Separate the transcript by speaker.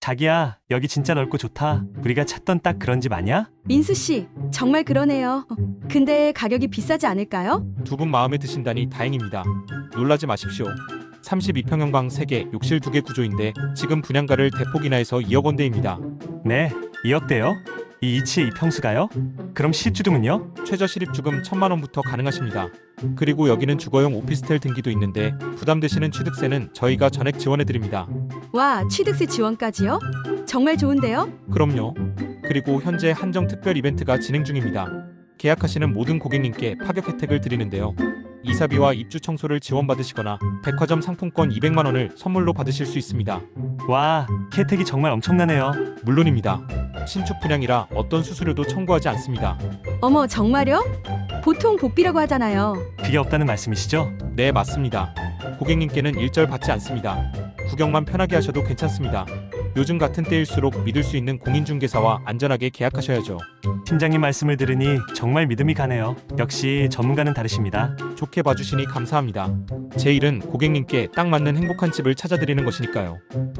Speaker 1: 자기야, 여기 진짜 넓고 좋다. 우리가 찾던 딱 그런 집 아니야?
Speaker 2: 민수 씨, 정말 그러네요. 근데 가격이 비싸지 않을까요?
Speaker 3: 두 분 마음에 드신다니 다행입니다. 놀라지 마십시오. 32평형 방 3개, 욕실 2개 구조인데 지금 분양가를 대폭 인하해서 2억 원대입니다.
Speaker 1: 네, 2억대요? 이 이치의 이평수가요? 그럼 실주등은요?
Speaker 3: 최저 실입주금 1,000만 원부터 가능하십니다. 그리고 여기는 주거용 오피스텔 등기도 있는데 부담되시는 취득세는 저희가 전액 지원해드립니다.
Speaker 2: 와, 취득세 지원까지요? 정말 좋은데요?
Speaker 3: 그럼요. 그리고 현재 한정 특별 이벤트가 진행 중입니다. 계약하시는 모든 고객님께 파격 혜택을 드리는데요. 이사비와 입주 청소를 지원받으시거나 백화점 상품권 200만 원을 선물로 받으실 수 있습니다.
Speaker 1: 와, 혜택이 정말 엄청나네요.
Speaker 3: 물론입니다. 신축 분양이라 어떤 수수료도 청구하지 않습니다.
Speaker 2: 어머, 정말요? 보통 복비라고 하잖아요.
Speaker 1: 그게 없다는 말씀이시죠?
Speaker 3: 네, 맞습니다. 고객님께는 일절 받지 않습니다. 구경만 편하게 하셔도 괜찮습니다. 요즘 같은 때일수록 믿을 수 있는 공인중개사와 안전하게 계약하셔야죠.
Speaker 1: 팀장님 말씀을 들으니 정말 믿음이 가네요. 역시 전문가는 다르십니다.
Speaker 3: 좋게 봐주시니 감사합니다. 제 일은 고객님께 딱 맞는 행복한 집을 찾아드리는 것이니까요.